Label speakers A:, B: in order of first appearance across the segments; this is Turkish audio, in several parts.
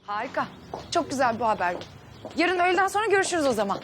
A: Harika. Çok güzel bu haber. Yarın öğleden sonra görüşürüz o zaman.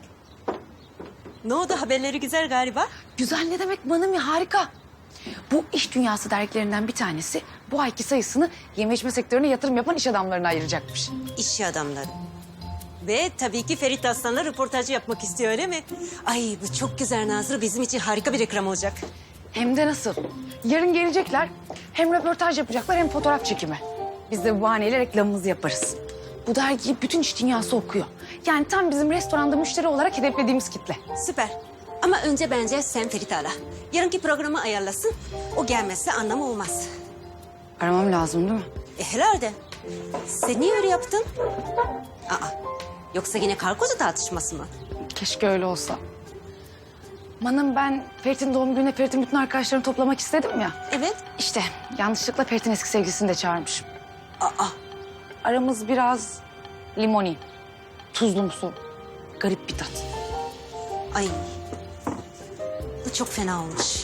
B: Ne oldu, haberleri güzel galiba?
A: Güzel ne demek Manami, harika. Bu iş dünyası dergilerinden bir tanesi bu ayki sayısını yeme içme sektörüne yatırım yapan iş adamlarına ayıracakmış.
B: İş adamları. Ve tabii ki Ferit Aslan'la röportajı yapmak istiyor, öyle mi? Ay bu çok güzel Nazlı, bizim için harika bir reklam olacak.
A: Hem de nasıl? Yarın gelecekler. Hem röportaj yapacaklar hem fotoğraf çekimi. Biz de bu bahaneyle reklamımızı yaparız. Bu dergiyi bütün iş dünyası okuyor. Yani tam bizim restoranda müşteri olarak hedeflediğimiz kitle.
B: Süper. Ama önce bence sen Ferit'i ara. Yarınki programı ayarlasın. O gelmezse anlamı olmaz.
A: Aramam lazım değil mi?
B: Herhalde. Sen niye öyle yaptın? Aa, yoksa yine karı koca tartışması mı?
A: Keşke öyle olsa. Manım, ben Ferit'in doğum gününe Ferit'in bütün arkadaşlarını toplamak istedim ya.
B: Evet.
A: İşte yanlışlıkla Ferit'in eski sevgilisini de çağırmışım.
B: Aa,
A: Aramız biraz limoni, tuzlumsu, garip bir tat.
B: ay. Bu çok fena olmuş.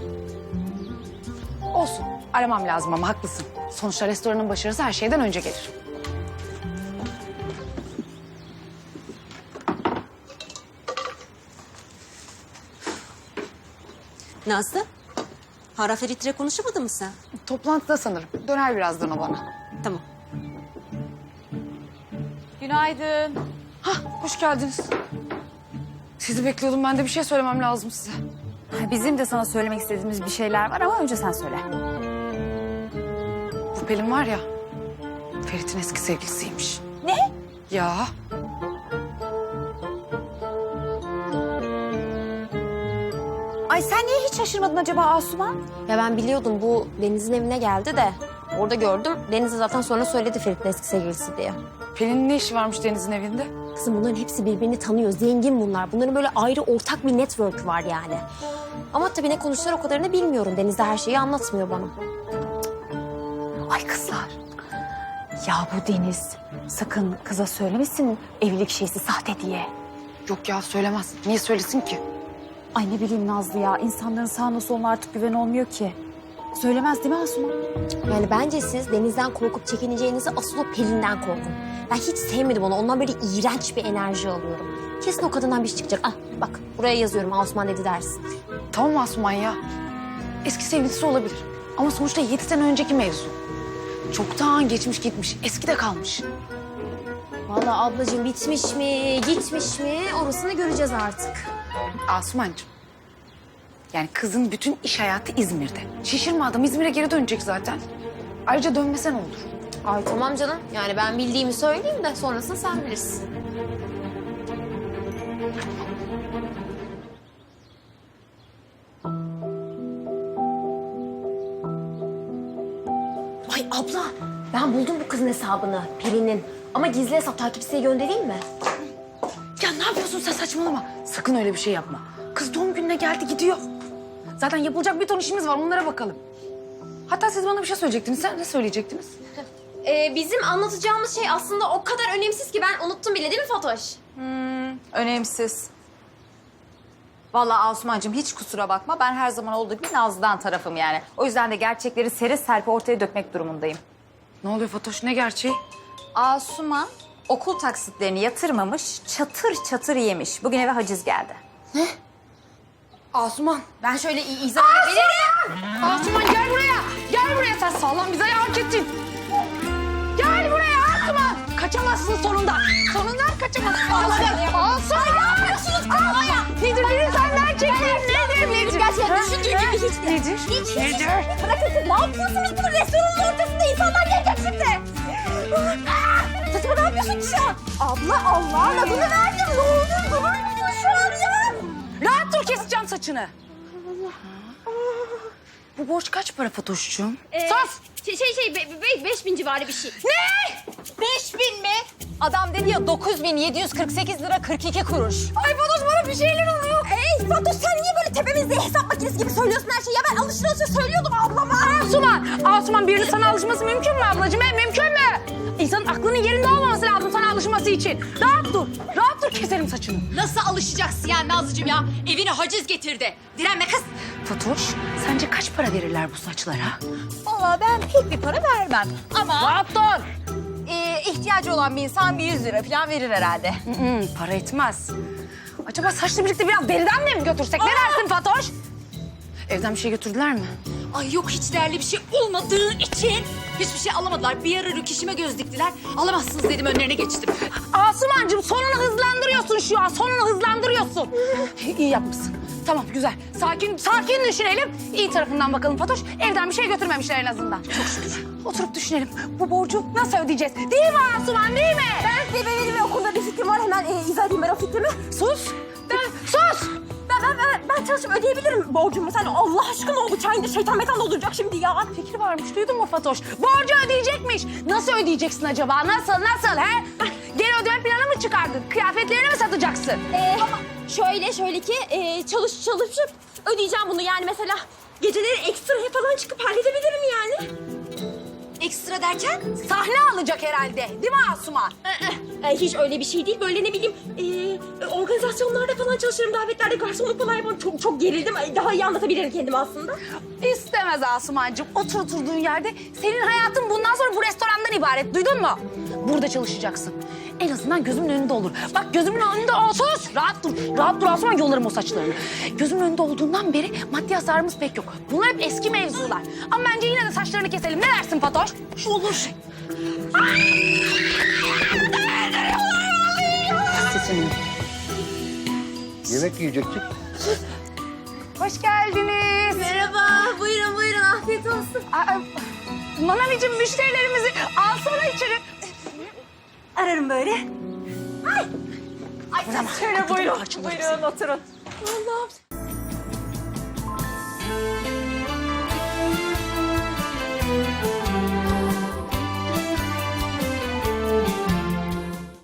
A: Olsun, aramam lazım ama haklısın. Sonuçta restoranın başarısı her şeyden önce gelir.
B: Nazlı, Hara Ferit'le konuşamadın mı sen?
A: Toplantıda sanırım. Döner birazdan o bana.
B: Tamam.
C: Günaydın.
A: Hah, hoş geldiniz. Sizi bekliyordum. Ben de bir şey söylemem lazım size.
C: Bizim de sana söylemek istediğimiz bir şeyler var ama önce sen söyle.
A: Bu Pelin var ya, Ferit'in eski sevgilisiymiş.
C: Ne?
A: Ya.
C: Ay sen niye hiç şaşırmadın acaba Asuman?
D: Ya ben biliyordum, bu Deniz'in evine geldi de orada gördüm. Deniz de zaten sonra söyledi Ferit'in eski sevgilisi diye.
A: Pelin'in ne işi varmış Deniz'in evinde?
D: Kızım bunların hepsi birbirini tanıyor. Zengin bunlar. Bunların böyle ayrı ortak bir network var yani. Ama tabii ne konuştular o kadarını bilmiyorum. Deniz de her şeyi anlatmıyor bana.
C: Ay kızlar. Ya bu Deniz sakın kıza söylemesin evlilik şeysi sahte diye.
A: Yok ya, söylemez. Niye söylesin ki?
C: Ay ne bileyim Nazlı ya. İnsanların sağına soluna artık güven olmuyor ki. Söylemez değil mi Asuman?
D: Yani bence siz Deniz'den korkup çekineceğinizi asıl o Pelin'den korkun. Ben hiç sevmedim onu. Ondan böyle iğrenç bir enerji alıyorum. Kesin o kadından bir şey çıkacak. Ah bak buraya yazıyorum, Asuman dedi dersin.
A: Tamam Asuman ya. Eski sevgilisi olabilir. Ama sonuçta 7 sene önceki mevzu. Çoktan geçmiş gitmiş. Eskide kalmış.
D: Vallahi ablacığım bitmiş mi, gitmiş mi orasını göreceğiz artık.
A: Asumancığım. Yani kızın bütün iş hayatı İzmir'de. Şişirme, adam İzmir'e geri dönecek zaten. Ayrıca dönmese ne olur?
D: Ay tamam canım. Yani ben bildiğimi söyleyeyim de sonrasını sen bilirsin. Ay abla, ben buldum bu kızın hesabını, Pelin'in. Ama gizli hesap, takipçiye göndereyim mi?
A: Ya ne yapıyorsun sen, saçmalama. Sakın öyle bir şey yapma. Kız doğum gününe geldi gidiyor. Zaten yapılacak bir ton işimiz var, onlara bakalım. Hatta siz bana bir şey söyleyecektiniz. Sen ne söyleyecektiniz?
D: Bizim anlatacağımız şey aslında o kadar önemsiz ki ben unuttum bile, değil mi Fatoş?
C: Önemsiz. Vallahi Asumancığım hiç kusura bakma. Ben her zaman olduğu gibi Nazlı'dan tarafım yani. O yüzden de gerçekleri seri serpi ortaya dökmek durumundayım.
A: Ne oluyor Fatoş, ne gerçeği?
C: Asuman okul taksitlerini yatırmamış, çatır çatır yemiş. Bugün eve haciz geldi.
A: Asuman.
D: Ben şöyle izah edebilirim.
A: Asuman gel buraya. Gel buraya, sen sağlam bize hak ettin. Gel buraya Asuman. Kaçamazsın sonunda. Sonunda kaçamazsın. Asuman ne yapıyorsunuz kafaya? Nedir biri senden çekeyim. Nedir?
D: Gerçekten düşündüğün gibi hiç de.
A: Nedir?
D: Hiç.
A: Nedir?
D: Bırakın siz, ne yapıyorsunuz bunu restoranın ortasında? İnsanlar gelecek şimdi. Saçma, ne yapıyorsun ki şu an? Abla Allah'ın adını verdim. Ne olur durur musun şu an ya?
A: Rahat dur, keseceğim saçını. Bu borç kaç para Fatoş'cuğum?
D: Sus! 5000 civarı bir şey.
C: 5000 mi? Adam dedi ya 9.748 lira 42 kuruş.
D: Ay Fatoş, bana bir şeyler oluyor. Fatoş, sen niye böyle tepemizde hesap makinesi gibi söylüyorsun her şeyi? Ya ben alışır söylüyordum ablama.
A: Asuman birinin sana alışması mümkün mü ablacığım? Mümkün mü? İnsanın aklının yerinde olmaması lazım sana alışması için. Rahat dur. Rahat dur, keselim saçını.
E: Nasıl alışacaksın yani Nazlıcığım ya? Evine haciz getirdi. Direnme kız.
A: Fatoş, sence kaç para verirler bu saçlara?
C: Vallahi ben pek bir para vermem. Ama
A: Rahat dur.
C: ihtiyacı olan bir insan bir 100 lira falan verir herhalde.
A: Para etmez. Acaba saçla birlikte biraz deriden mi götürsek? Ne dersin Fatoş? Evden bir şey götürdüler mi?
E: Ay yok hiç değerli bir şey olmadığı için hiçbir şey alamadılar. Bir ara rüküşüme göz diktiler. Alamazsınız dedim önlerine geçtim.
A: Asumancığım sonunu hızlandırıyorsun şu an. Sonunu hızlandırıyorsun. İyi yapmışsın. Tamam güzel. Sakin düşünelim. İyi tarafından bakalım Fatoş. Evden bir şey götürmemişler en azından. Çok şükür. Oturup düşünelim. Bu borcu nasıl ödeyeceğiz? Değil mi Asuman değil mi?
F: Benim okulda bir fikrim var. Hemen izah edeyim ben o fikrimi.
A: Sus. Sus.
F: Ben çalışıp ödeyebilirim borcumu. Sen Allah aşkına o bıçağın da şeytan metan dolduracak şimdi ya.
A: Fikri varmış duydun mu Fatoş? Borcu ödeyecekmiş. Nasıl ödeyeceksin acaba? Nasıl he? Geri ödeme planı mı çıkardın? Kıyafetlerini mi satacaksın?
F: Şöyle ki çalışıp ödeyeceğim bunu. Yani mesela geceleri ekstra falan çıkıp halledebilirim yani.
E: Ekstra derken?
A: Sahne alacak herhalde. Değil mi Asuman?
F: Hiç öyle bir şey değil. Böyle ne bileyim organizasyonlarda falan çalışırım. Davetlerde garsonluk falan yaparım. Çok gerildim. Daha iyi anlatabilirim kendimi aslında.
A: İstemez Asumancığım. Oturduğun yerde senin hayatın bundan sonra bu restorandan ibaret. Duydun mu? Burada çalışacaksın. En azından gözümün önünde olur. Bak gözümün önünde ol. Sus! Rahat dur. Rahat dur Asuman, yolarım o saçlarını. Gözümün önünde olduğundan beri maddi hasarımız pek yok. Bunlar hep eski mevzular. Ama bence yine de saçlarını keselim. Ne dersin Fatoş? Olur. Sesini.
G: Yemek yiyecektik.
A: Hoş geldiniz.
F: Merhaba. Buyurun. Afiyet olsun.
A: Manavicim müşterilerimizi alsana içeri.
F: Ararım böyle.
A: Şöyle buyurun.
F: Buyurun oturun. Allah'ım.